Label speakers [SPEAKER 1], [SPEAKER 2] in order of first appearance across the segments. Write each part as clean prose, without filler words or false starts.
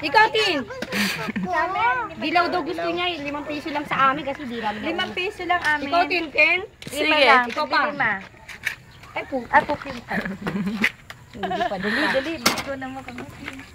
[SPEAKER 1] Ikaw, Tin. Dilaw daw gusto niya. 5 piso lang sa amin kasi di namin.
[SPEAKER 2] 5 piso lang amin.
[SPEAKER 1] Ikaw, Tin, Tin.
[SPEAKER 3] Sige.
[SPEAKER 1] Ikaw pa.
[SPEAKER 2] Ay, po.
[SPEAKER 1] Hindi pa.
[SPEAKER 2] Dali. Gusto na mo kami.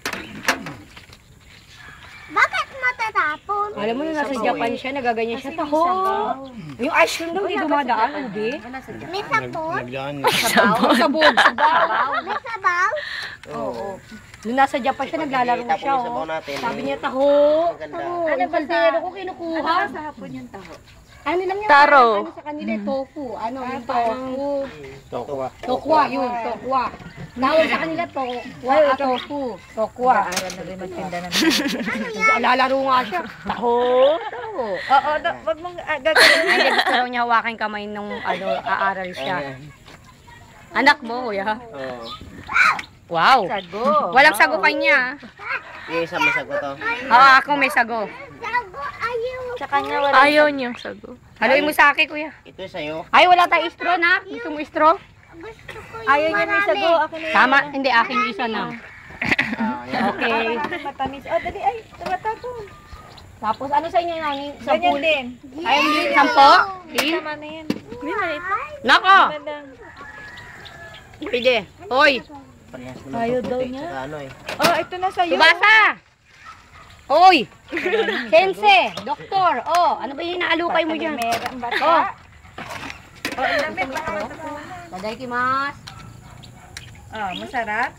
[SPEAKER 4] Bakit matatapon?
[SPEAKER 1] Alam mo na nasa Japan siya, nagaganyan siya. Taho. Yung ice cream daw, hindi dumadaan. Hindi.
[SPEAKER 4] May sabon?
[SPEAKER 1] Sabog.
[SPEAKER 4] May sabaw?
[SPEAKER 3] Oo.
[SPEAKER 1] Nung nasa Japan siya, naglalaro siya. Sabi niya, taho. Ano ba pero ko kinukuha?
[SPEAKER 2] Sa hapon yung taho.
[SPEAKER 1] Ano lang yan?
[SPEAKER 3] Taro.
[SPEAKER 1] Ano sa kanila, tofu. Ano, yung tofu. Tokwa, yun, tokwa. Tawag sa kanila, tofu. Tokwa.
[SPEAKER 2] Aral na rin magtinda ng
[SPEAKER 1] Lalaro nga siya. Taho.
[SPEAKER 2] Oo, wag mong gagawin.
[SPEAKER 1] Ay, gusto raw niya hawakin kamay nung aaral siya. Anak mo, kuya.
[SPEAKER 5] Oo.
[SPEAKER 1] Wow.
[SPEAKER 2] Sago.
[SPEAKER 1] Walang sago kanya.
[SPEAKER 5] Yung isa may sagot to.
[SPEAKER 1] Oo, ako may sago.
[SPEAKER 4] Sago, ayaw.
[SPEAKER 2] Sa kanya wala.
[SPEAKER 3] Ayaw niyang sago.
[SPEAKER 1] Haluin mo sa akin, kuya.
[SPEAKER 5] Ito sa'yo.
[SPEAKER 1] Ay, wala tayong straw na. Gusto mo straw?
[SPEAKER 4] Gusto ko yung
[SPEAKER 2] Ayaw niya may sago. Akin na
[SPEAKER 1] Tama, hindi akin yung isa na.
[SPEAKER 5] Yan.
[SPEAKER 1] Okay.
[SPEAKER 2] matamis. Oh, dali. Ay, tumatapon.
[SPEAKER 1] Tapos ano sa inyo nani?
[SPEAKER 2] Ganyan din.
[SPEAKER 1] Ay, hindi. 10?
[SPEAKER 2] Tama na yan.
[SPEAKER 1] Nako!
[SPEAKER 2] Madang.
[SPEAKER 1] Pwede. Hoy!
[SPEAKER 5] Parehas mo
[SPEAKER 2] Ayaw
[SPEAKER 5] ng
[SPEAKER 2] daw
[SPEAKER 5] puti,
[SPEAKER 2] niya.
[SPEAKER 5] tsaka ano eh.
[SPEAKER 2] Oh, ito na sa'yo.
[SPEAKER 1] Subasa! Hoy! Sense! Doktor! Oh, ano ba yung inaalukay mo dyan?
[SPEAKER 2] Meron ba?
[SPEAKER 1] Oh!
[SPEAKER 2] Oh, ilamig.
[SPEAKER 1] Tadaikimasu!
[SPEAKER 2] Oh, masarap.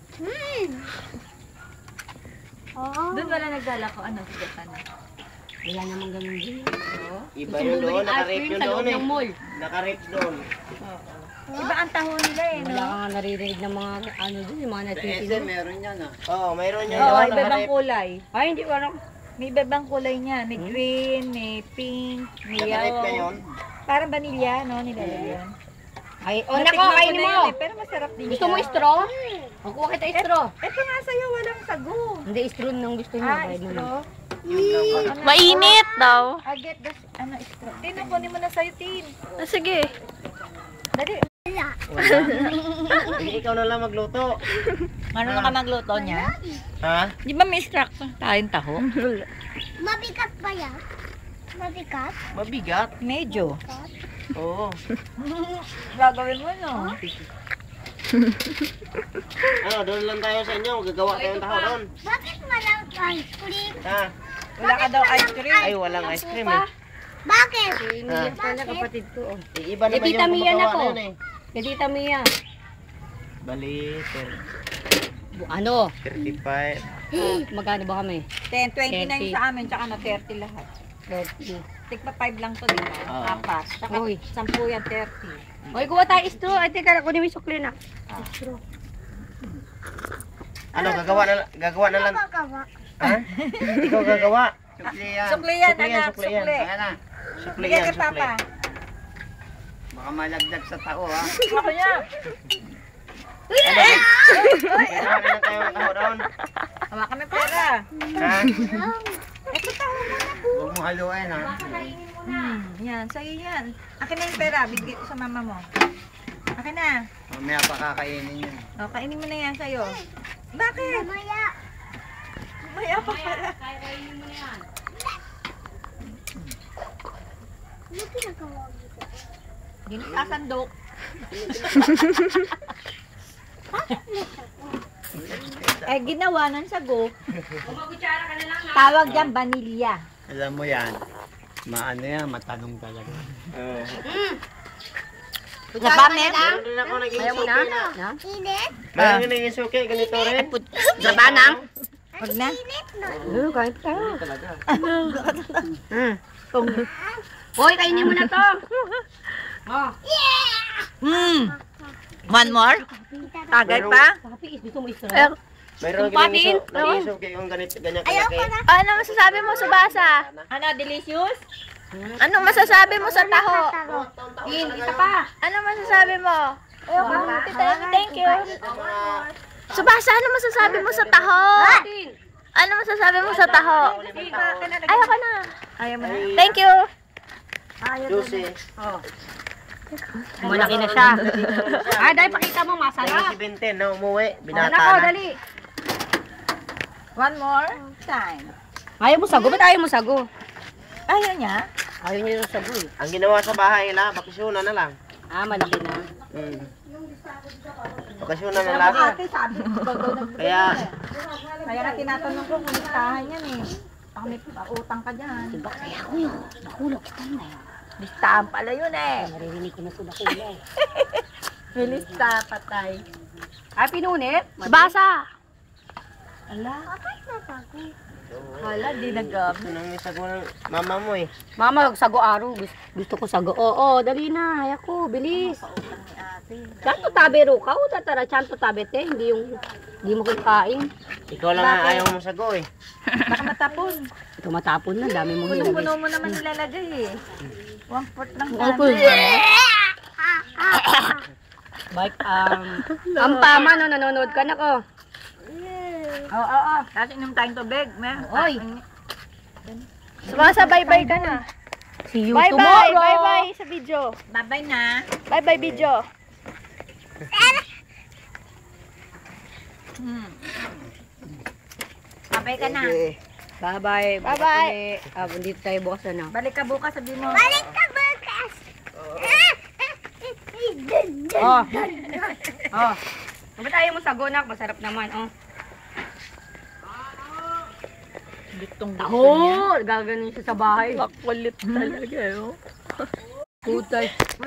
[SPEAKER 4] Oo.
[SPEAKER 2] Doon wala naglalako. Ano, sige pa na.
[SPEAKER 1] Wala naman ganun din.
[SPEAKER 5] Iba yun doon, nakarip yun
[SPEAKER 1] sa loob
[SPEAKER 5] doon eh.
[SPEAKER 1] ng mall.
[SPEAKER 5] Nakarip doon.
[SPEAKER 2] Iba ang taho nila eh,
[SPEAKER 1] Wala
[SPEAKER 2] no?
[SPEAKER 1] ka nga naririnig ng mga ano dun, yung mga
[SPEAKER 5] Sa SM
[SPEAKER 1] natitinod.
[SPEAKER 5] meron yan ah. Oo, mayroon yan.
[SPEAKER 2] Oo,
[SPEAKER 5] doon,
[SPEAKER 2] iba-ibang
[SPEAKER 5] nakarip.
[SPEAKER 2] kulay.
[SPEAKER 1] Ay, hindi ko alam.
[SPEAKER 2] May iba-ibang kulay niya. May green, may pink, may
[SPEAKER 5] Nakarip na
[SPEAKER 2] yellow.
[SPEAKER 5] yun.
[SPEAKER 2] Parang vanilla, no? Nilalagyan.
[SPEAKER 1] Ay, oh,
[SPEAKER 2] Natikman
[SPEAKER 1] nako,
[SPEAKER 2] ko
[SPEAKER 1] kainin
[SPEAKER 2] na
[SPEAKER 1] mo.
[SPEAKER 2] yun eh, pero masarap din
[SPEAKER 1] Gusto
[SPEAKER 2] siya.
[SPEAKER 1] mo straw? O, kuha kita straw.
[SPEAKER 2] Ito nga sa'yo, walang sago.
[SPEAKER 1] Hindi, straw nang gusto niya.
[SPEAKER 2] Ah,
[SPEAKER 1] Bayad mo na.
[SPEAKER 2] straw.
[SPEAKER 3] Mainit daw.
[SPEAKER 2] I get the, ano, straw. Tin, kunin mo na sa'yo, Tin.
[SPEAKER 3] Ah, sige.
[SPEAKER 2] Dali.
[SPEAKER 5] Sige, ikaw na lang magluto.
[SPEAKER 2] Ano na ka magluto niya?
[SPEAKER 5] Ha?
[SPEAKER 2] Di ba may instruction tayong taho?
[SPEAKER 4] Mabigat ba yan? Mabigat?
[SPEAKER 5] Mabigat.
[SPEAKER 2] Medyo.
[SPEAKER 5] Oo.
[SPEAKER 2] Gagawin mo, no?
[SPEAKER 5] Ano, doon lang tayo sa inyo. Gagawa tayong taho doon.
[SPEAKER 4] Bakit walang ice cream?
[SPEAKER 5] Ha?
[SPEAKER 2] Wala ka daw ice cream.
[SPEAKER 5] Ay, walang ice cream eh.
[SPEAKER 4] Bakit?
[SPEAKER 1] Iniyak pala kapatid ko. Oh.
[SPEAKER 5] Iba naman
[SPEAKER 1] Tita
[SPEAKER 5] yung
[SPEAKER 1] Mia na
[SPEAKER 5] gumagawa
[SPEAKER 1] ko.
[SPEAKER 5] na yun eh.
[SPEAKER 1] Kay Tita Mia.
[SPEAKER 5] Bali,
[SPEAKER 1] Ano?
[SPEAKER 5] 35.
[SPEAKER 1] Magkano ba kami?
[SPEAKER 2] 10,
[SPEAKER 1] 30.
[SPEAKER 2] 29 sa amin, tsaka na 30 lahat.
[SPEAKER 1] 30.
[SPEAKER 2] Tigpa 5 lang to, di ba?
[SPEAKER 5] Oo.
[SPEAKER 2] Apat. Tsaka
[SPEAKER 1] Uy.
[SPEAKER 2] 10 yan, 30.
[SPEAKER 1] Hoy, kuha tayo straw. Ay, teka, kunin mo yung sukli na. Straw.
[SPEAKER 5] Ano, gagawa na lang.
[SPEAKER 4] Gagawa.
[SPEAKER 5] Ha? Ikaw gagawa. Sukli yan.
[SPEAKER 2] Sukli yan, anak,
[SPEAKER 5] sukli yan.
[SPEAKER 2] sukli.
[SPEAKER 5] Ayan na. Sukli
[SPEAKER 2] Bigyan
[SPEAKER 5] yan,
[SPEAKER 2] kay
[SPEAKER 5] sukli.
[SPEAKER 2] Papa.
[SPEAKER 5] Baka malagdag sa tao ha.
[SPEAKER 2] Ako niya.
[SPEAKER 5] Gagawa na lang tayo ng taho doon.
[SPEAKER 2] Hawa kami pera.
[SPEAKER 5] Ha?
[SPEAKER 2] Ito taho mo na po.
[SPEAKER 5] Huwag mo haluin ha.
[SPEAKER 2] Yan, sa'yo yan. Akin na yung pera, bigay ko sa mama mo. Akin na.
[SPEAKER 5] Mamaya pa kakainin yun.
[SPEAKER 2] O, kainin mo na yan sa'yo. Bakit?
[SPEAKER 4] Maya.
[SPEAKER 2] Maya pa pala.
[SPEAKER 4] Ano pinagawa dito?
[SPEAKER 2] Hindi na sasandok. Eh, ginawa ng sago. Tawag dyan, vanilla.
[SPEAKER 5] Alam mo yan. Maano yan, matanong talaga. Oo.
[SPEAKER 2] Napamit?
[SPEAKER 5] Meron din ako naging
[SPEAKER 1] Ayaw mo na?
[SPEAKER 5] suki na.
[SPEAKER 1] Na?
[SPEAKER 4] Init?
[SPEAKER 5] Meron din naging suki, ganito rin.
[SPEAKER 1] Labanang?
[SPEAKER 2] Wag na.
[SPEAKER 4] Init na.
[SPEAKER 1] Kahit tayo.
[SPEAKER 5] Talaga.
[SPEAKER 1] Hoy, kainin mo na to. Oh.
[SPEAKER 2] One more? Tagay pa?
[SPEAKER 1] Papi, gusto mo straw?
[SPEAKER 5] Mayroon
[SPEAKER 1] Tumpatin.
[SPEAKER 5] naging suki yung ganito, ganyan
[SPEAKER 4] Ayaw
[SPEAKER 5] kalaki.
[SPEAKER 4] ko na.
[SPEAKER 3] Ano masasabi mo, Subasa?
[SPEAKER 2] Ano, delicious?
[SPEAKER 3] Ano masasabi mo sa taho?
[SPEAKER 1] Tin, isa pa.
[SPEAKER 3] Ano masasabi mo? Thank you. Subasa, ano masasabi mo sa taho?
[SPEAKER 1] Tin.
[SPEAKER 3] Ano masasabi mo sa taho? Ayoko na.
[SPEAKER 2] Ayaw mo na.
[SPEAKER 3] Thank you.
[SPEAKER 5] Juicy.
[SPEAKER 1] Malaki na siya. Dahil pakita mo,
[SPEAKER 5] Kaya
[SPEAKER 1] masarap.
[SPEAKER 5] si Benten na umuwi,
[SPEAKER 1] Nako,
[SPEAKER 5] binata na.
[SPEAKER 1] dali.
[SPEAKER 2] One more time.
[SPEAKER 1] Ayaw mo sago? Ba't ayaw mo sago?
[SPEAKER 2] Ayaw niya?
[SPEAKER 1] Ayaw niya yung sago eh.
[SPEAKER 6] Ang ginawa sa bahay nila, bakasyonan na lang.
[SPEAKER 1] Ah, malaki na.
[SPEAKER 6] Bakasyonan na lang.
[SPEAKER 2] Ate, sabi ko, bago nagbigay
[SPEAKER 6] Kaya,
[SPEAKER 2] Kaya nga tinatanong ko kung listahan yan eh. Baka may utang ka dyan.
[SPEAKER 1] Diba kaya ko yun? Nakulog kita na yun.
[SPEAKER 2] Listahan pala yun eh.
[SPEAKER 1] Naririnig ko na sa nakulog.
[SPEAKER 2] May lista, patay.
[SPEAKER 1] Ah, pinunit?
[SPEAKER 3] Basa.
[SPEAKER 2] Ala. Hala, di nag-up.
[SPEAKER 6] gusto nang may sago ng mama mo eh.
[SPEAKER 1] Mama, sago araw. Gusto ko sago. Oo, dali na. Haya ko, bilis. Chanto tabe ro ka. O tatara, chanto tabe te. Hindi mo kakain.
[SPEAKER 6] Ikaw lang nga ayaw mo sago eh.
[SPEAKER 2] Baka matapon.
[SPEAKER 1] Ito matapon na. Dami mong nilagay.
[SPEAKER 2] Puno-puno mo naman nilalagay eh. 1/4 lang
[SPEAKER 1] Opo.
[SPEAKER 2] dami.
[SPEAKER 1] Bike, ang pama no, nanonood ka na ko. Oo.
[SPEAKER 2] Tapos inom tayong tubig.
[SPEAKER 1] Oy.
[SPEAKER 3] Subasa, bye-bye ka na.
[SPEAKER 1] See you
[SPEAKER 3] Bye-bye.
[SPEAKER 1] tomorrow.
[SPEAKER 3] Bye-bye sa video.
[SPEAKER 2] Bye-bye na.
[SPEAKER 3] Bye-bye video.
[SPEAKER 2] Bye-bye ka na.
[SPEAKER 6] Okay.
[SPEAKER 1] Bye-bye.
[SPEAKER 3] Bye-bye.
[SPEAKER 1] Dito tayo bukas na.
[SPEAKER 2] Balik ka bukas, sabi mo.
[SPEAKER 4] Balik ka bukas.
[SPEAKER 1] Oh. Oh. Ba't ayaw mo sago nak? Masarap naman. Oh. Taho! Gaganon siya sa bahay.
[SPEAKER 3] Makulit talaga, oh.
[SPEAKER 1] Putay.